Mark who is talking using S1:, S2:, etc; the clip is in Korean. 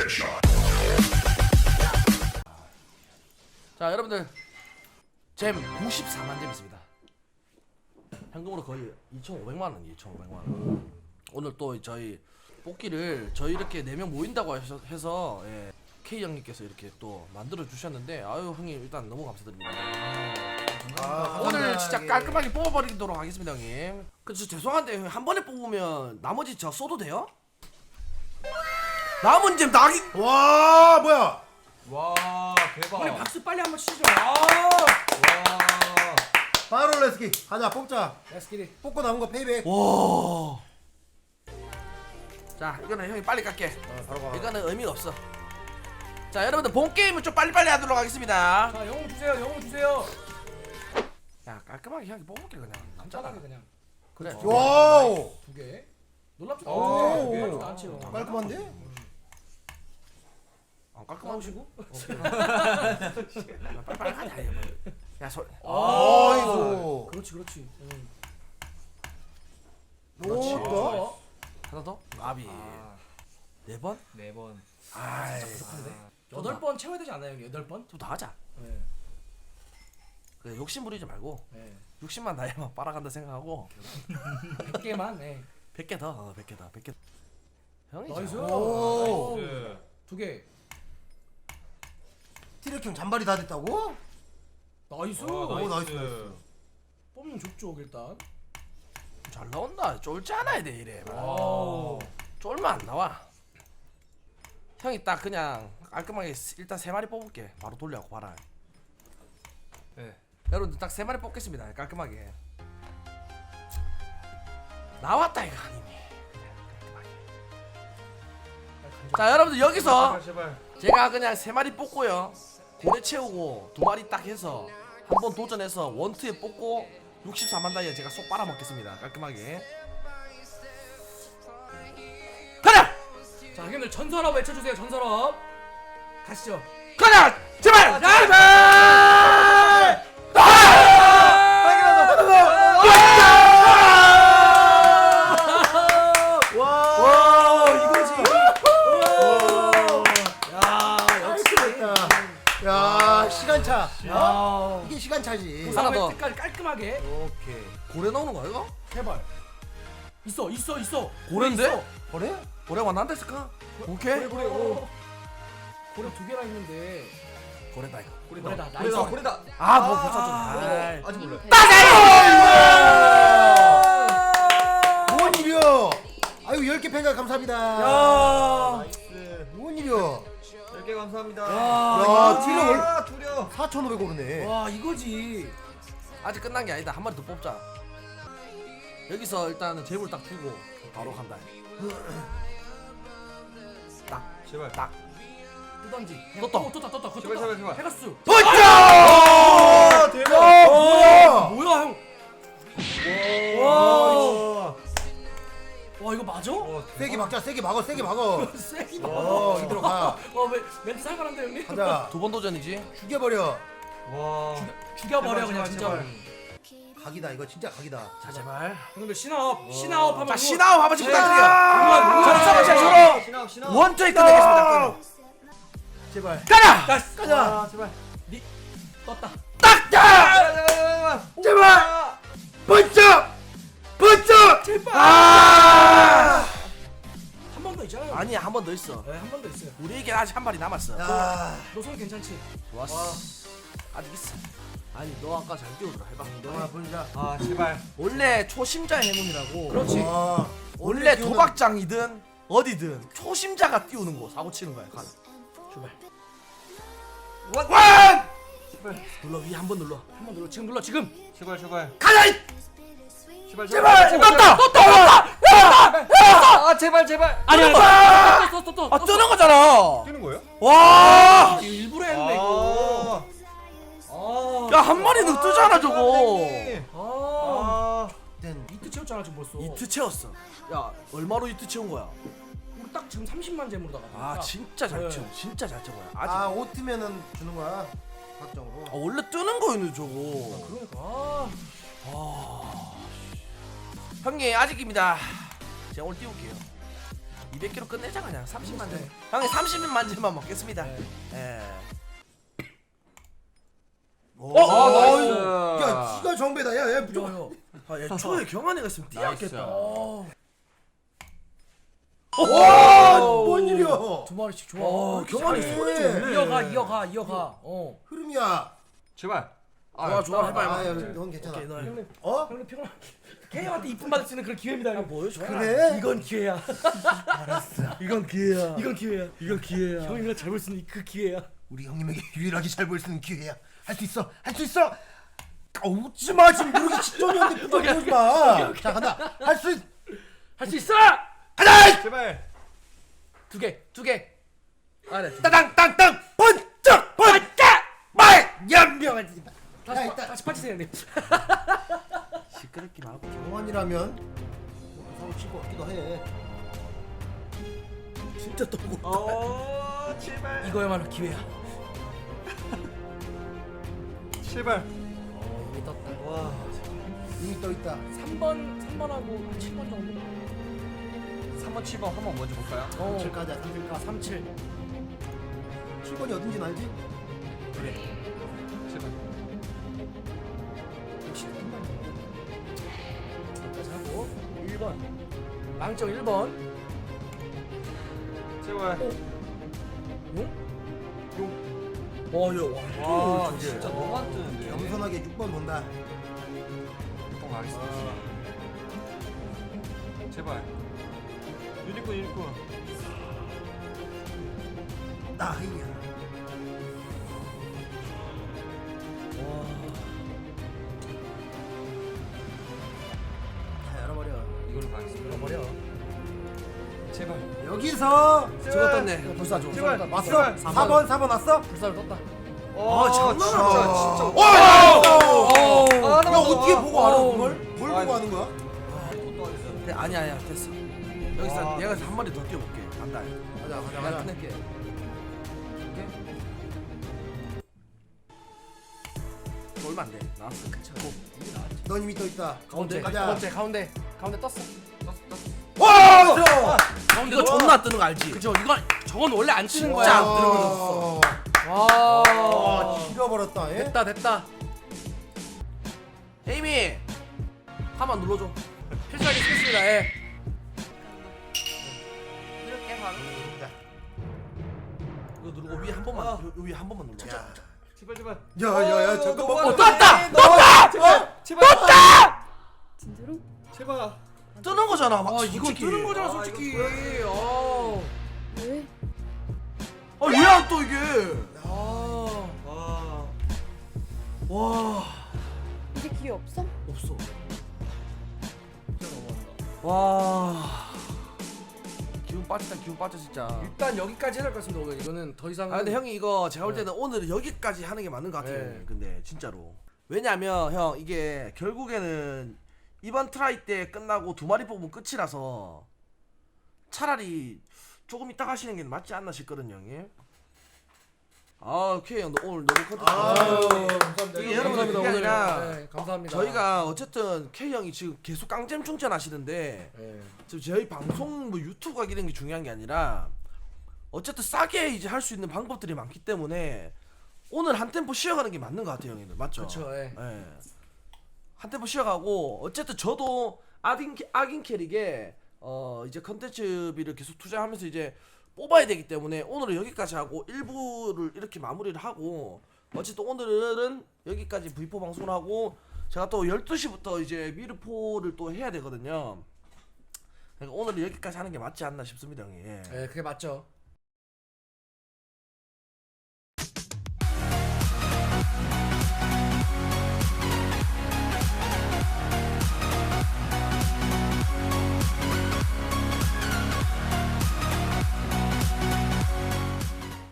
S1: 자 여러분들 잼 94만 잼 있습니다. 현금으로 거의 2,500만원 2,500만원. 오늘 또 저희 뽑기를 저희 이렇게 4명 모인다고 해서 예, K 형님께서 이렇게 또 만들어 주셨는데 아유 형님 일단 너무 감사드립니다. 오늘 진짜 깔끔하게 뽑아버리도록 하겠습니다 형님. 그래서 죄송한데 한 번에 뽑으면 나머지 저 써도 돼요? 남은 잼 나기.
S2: 와 뭐야?
S3: 와 대박.
S4: 형님 박수 빨리 한번 치시죠.
S3: 와.
S2: 바로 레스키 가자 뽑자.
S4: 레스키리.
S2: 뽑고 남은 거 페이백.
S1: 와. 자 이거는 형이 빨리 깎게.
S2: 바로 가.
S1: 이거는 의미가 없어. 자 여러분들 본 게임은 좀 빨리빨리 하도록 하겠습니다.
S4: 자 영웅 주세요. 영웅 주세요.
S1: 야 깔끔하게 형이 뽑을게 그냥.
S4: 간단하게 그냥
S1: 그래.
S2: 와우.
S4: 2개. 놀랍지도
S3: 오.
S4: 놀랍지도 않지요.
S2: 깔끔한데?
S1: 깔끔하시고.
S4: 나오시고.
S1: 빨리빨리 하자. 이거. 야 소.
S2: 아이고.
S4: 그렇지 그렇지.
S1: 그렇지.
S2: 오.
S1: 하나 더. 아비. 4번?
S3: 4번.
S1: 아이.
S4: 8번 채워야 되지 않나요, 형님? 8번?
S1: 좀 더 하자.
S4: 네.
S1: 그래 욕심 부리지 말고
S4: 네.
S1: 60만 나이만 빨아간다 생각하고
S4: 100개만. 네.
S1: 100개 더. 100개 더. 100개. 형이.
S4: 나이스.
S2: 오.
S3: 나이스.
S4: 2개.
S2: 티렉형 잔발이 다 됐다고?
S4: 나이스.
S2: 오, 나이스.
S4: 뽑는 족족 일단.
S1: 잘 나온다. 쫄지 않아야 돼 이래.
S4: 와우.
S1: 쫄면 안 나와. 형이 딱 그냥 깔끔하게 일단 3마리 뽑을게. 바로 돌려고 봐라.
S3: 네.
S1: 여러분들 딱 3마리 뽑겠습니다. 깔끔하게. 나왔다 이거 아니니. 그냥 깔끔하게. 자 여러분들 여기서
S3: 제발.
S1: 제가 그냥 3마리 뽑고요. 고래 채우고 2마리 딱 해서 한번 도전해서 원투에 뽑고 64만 다이아 제가 쏙 빨아먹겠습니다. 깔끔하게. 가자!
S4: 자, 형님들 전설업 외쳐주세요. 전설업. 가시죠.
S1: 가자! 제발! 제발!
S2: 와 이거지.
S4: 야, 역시.
S2: 야 시간차.
S4: 야.
S2: 이게 시간차지.
S1: 하나 더.
S4: 끝까지 깔끔하게.
S2: 오케이.
S1: 고래 나오는 거야 이거?
S4: 제발. 있어.
S1: 고래인데?
S4: 있어.
S2: 그래?
S1: 고래 왔는데 쓸까? 오케이.
S4: 고래. 오. 고래 2개나 있는데.
S1: 고래다 이거.
S4: 고래다. 나이스.
S3: 고래다.
S1: 아, 뭐 붙여줘.
S3: 아직 몰라.
S2: 뭔 일이야? 아유 10개 팬가 감사합니다.
S4: 야.
S3: 나이스.
S2: 뭔 일이야?
S3: 10개 감사합니다.
S2: 야 티를
S3: 아, 두려.
S2: 4,500 오르네.
S4: 와, 이거지.
S1: 아직 끝난 게 아니다. 한 마리 더 뽑자. 여기서 일단은 재물 딱 두고 바로 간다.
S3: 제발.
S1: 딱.
S4: 뜨던지.
S1: 떴다.
S4: 떴다. 그거
S3: 제발,
S4: 떴다.
S3: 제발.
S4: 페가스.
S3: 아, 대박.
S2: 뭐야?
S4: 뭐야, 형?
S3: 와.
S4: 와, 이거 맞아?
S2: 세게 박자, 세게 박어, 세게 박어.
S4: 세기다.
S2: 이대로 가.
S4: 와, 멘트 살벌한데, 형님?
S2: 가자.
S1: 2번 도전이지.
S2: 죽여버려.
S3: 와.
S4: 죽여버려,
S3: 제발,
S4: 그냥
S3: 제발,
S4: 진짜.
S3: 제발.
S2: 각이다, 이거 진짜 각이다.
S1: 자 제발.
S4: 형님들 신아업 하면
S1: 자 신아웃 한번 씩 부탁드려요.
S4: 자,
S1: 서로
S3: 신아, 신아.
S1: 원투에 끝내겠습니다.
S2: 제발.
S1: 가자.
S2: 가자.
S3: 아, 제발.
S4: 떴다.
S1: 딱!
S2: 제발. 번쩍. 번쩍.
S4: 제발.
S1: 아!
S4: 한 번 더 있잖아요.
S1: 아니 한 번 더 있어.
S4: 네, 한 번 더 있어요.
S1: 우리에게 아직 한 마리 남았어.
S2: 야.
S4: 너 손 괜찮지?
S1: 좋았어. 아직 있어. 아니 너 아까 잘 뛰어들어 해봐.
S2: 너나 보자.
S3: 아, 제발.
S1: 원래 초심자 해문이라고.
S4: 그렇지.
S1: 원래 도박장이든 어디든 초심자가 띄우는 거 사고 치는 거야. 가. 출발. 원! 눌러 위 한 번 눌러.
S4: 한 번 눌러. 지금 눌러. 지금.
S3: 제발, 제발.
S1: 가자! 이!
S3: 제발,
S1: 제발! 떴다!
S3: 아, 제발, 제발.
S4: 아니. 떴.
S1: 아 뜨는 거잖아.
S3: 뛰는 거예요?
S1: 와!
S4: 이거 일부러 했네 이거.
S1: 야 한 마리는 뜨잖아 저거.
S4: 아.
S3: 아.
S4: 이트 채웠잖아 지금 벌써.
S1: 이트 채웠어. 야 얼마로 이트 채운 거야?
S4: 우리 딱 지금 30만 잼으로다가.
S1: 아 진짜 잘
S4: 네.
S1: 채워. 진짜 잘 채워요. 아직.
S2: 아, 오트면은 주는 거야. 각정으로.
S1: 원래 뜨는 거였네 저거.
S4: 그러니까.
S1: 형님 아직입니다. 제가 오늘 띄울게요. 200kg 끝내자 그냥 30만 점. 형이 30만 점만 먹겠습니다.
S4: 네.
S1: 예.
S3: 나이스.
S2: 야, 지가 정배다. 야, 얘 무조건.
S4: 요.
S1: 아, 얘 초에 경환이가 있으면 뛰었겠다.
S2: 와, 뭔 일이야?
S4: 두 마리씩 좋아.
S1: 경환이
S2: 잘해.
S1: 소리 좋네.
S4: 이어가.
S2: 흐름이야.
S3: 제발.
S1: 좋아, 해봐.
S2: 아, 야, 넌 괜찮아.
S1: 오케이, 너 해.
S4: 형님,
S2: 어?
S4: 형님 평화. 케이한테 이쁨 받을 수 있는 그런 기회입니다. 형.
S1: 보여줘.
S2: 그래?
S4: 이건 기회야.
S1: 이건 기회야.
S4: 이건 기회야.
S1: 이건 기회야.
S4: 형이랑 잘 볼 수 있는 그 기회야.
S2: 우리 형님에게 유일하게 잘 보일 수 있는 기회야. 할 수 있어. 할 수 있어. 웃지 마. 지금 누르기 직전이었는데 부담 마. 자, 간다. 할 수
S4: 있어.
S2: 가자.
S3: 제발.
S4: 두 개. 아래.
S2: 땅땅땅 번쩍 말 연명하지.
S4: 다시 빠지세요, 형님.
S1: 시끄럽게 말고.
S2: 경환이라면 사고 칠것 같기도 해.
S1: 진짜 떠고.
S3: 제발.
S4: 이거야말로 기회야.
S3: 제발.
S4: 이미 떴다.
S3: 와.
S2: 이미 떠 있다.
S4: 3번하고 7번 정도.
S3: 3번 7번 한번 먼저 볼까요?
S2: 3칠 가자. 3칠 가.
S4: 37.
S2: 7번이 어딘지 알지?
S3: 제발.
S4: 역시 3번. 여기까지 하고 1번. 망정 1번.
S3: 제발.
S1: 와.
S3: 와, 진짜 너무 안 뜨는데.
S2: 겸손하게 6번 본다.
S3: 6번 가겠습니다. 제발. 유니콘.
S2: 나이야.
S1: 다 열어버려.
S3: 이걸로 가겠습니다.
S4: 버려.
S3: 제발.
S2: 여기서
S1: 저거 떴네.
S4: 불사 줘.
S3: 제발.
S2: 왔어?
S3: 제발.
S2: 4번 왔어?
S4: 불사를 떴다.
S3: 진짜.
S2: 와!
S3: 아,
S2: 야, 어떻게 보고 알아 그걸? 뭘
S3: 아,
S2: 보고 하는 거야?
S1: 네, 아니야 됐어. 여기서
S3: 와.
S1: 얘가 한 마리 더 뛰어볼게. 간다.
S2: 가자
S1: 내가 끝낼게. 얼마 안 돼. 나왔어.
S2: 넌 이미 떠 있다.
S4: 가운데.
S2: 가자.
S4: 가운데 떴어.
S2: 와! 들어!
S1: 이거 존나 뜨는 거 알지?
S4: 그죠? 이건 저건 원래 안 치는
S1: 진짜
S4: 거야.
S1: 안 들어가졌어.
S4: 와.
S2: 죽여버렸다. 예?
S4: 됐다.
S1: 에이미 한번 눌러줘.
S4: 필살기 쓰겠습니다. 예.
S1: 이렇게 바로. 이거 누르고 위에 한 번만. 요 위에 한 번만 눌러.
S3: 제발.
S2: 야야야 잠깐만.
S1: 떴다!
S3: 제발.
S5: 진짜로?
S3: 제발.
S1: 뜨는 거잖아. 막
S4: 이건
S1: 솔직히.
S4: 뜨는 거잖아,
S3: 아,
S4: 솔직히.
S3: 이거
S5: 왜?
S1: 왜 안 떠 이게? 와.
S5: 이제 기회 없어?
S1: 없어. 와. 기분 빠져 진짜.
S4: 일단 여기까지 해야 될 것 같습니다. 오늘 이거는 더 이상.
S1: 근데 형이 이거 제가 볼 때는 오늘은 여기까지 하는 게 맞는 것 같아요.
S4: 네.
S1: 근데 진짜로. 왜냐면 형 이게 결국에는 이번 트라이 때 끝나고 2마리 뽑으면 끝이라서 차라리 조금 이따 하시는 게 맞지 않나 싶거든요, 형님. 오케이 형, 오늘 너무 컨텐츠.
S2: 감사합니다.
S1: 이게 여러분들 그게 아니라
S4: 네, 감사합니다.
S1: 저희가 어쨌든 K 형이 지금 계속 깡잼 충전하시는데
S4: 네.
S1: 지금 저희 방송 뭐 유튜브 가기 이런 게 중요한 게 아니라 어쨌든 싸게 이제 할 수 있는 방법들이 많기 때문에 오늘 한 템포 쉬어가는 게 맞는 것 같아요, 형님들. 맞죠?
S4: 그렇죠. 예.
S1: 예. 한 템포 쉬어가고 어쨌든 저도 악인 캐릭에 이제 컨텐츠비를 계속 투자하면서 이제 뽑아야 되기 때문에 오늘은 여기까지 하고 1부를 이렇게 마무리를 하고 어쨌든 오늘은 여기까지 V4 방송을 하고 제가 또 12시부터 이제 미르포를 또 해야 되거든요. 그러니까 오늘은 여기까지 하는 게 맞지 않나 싶습니다, 형님. 예.
S4: 네, 그게 맞죠.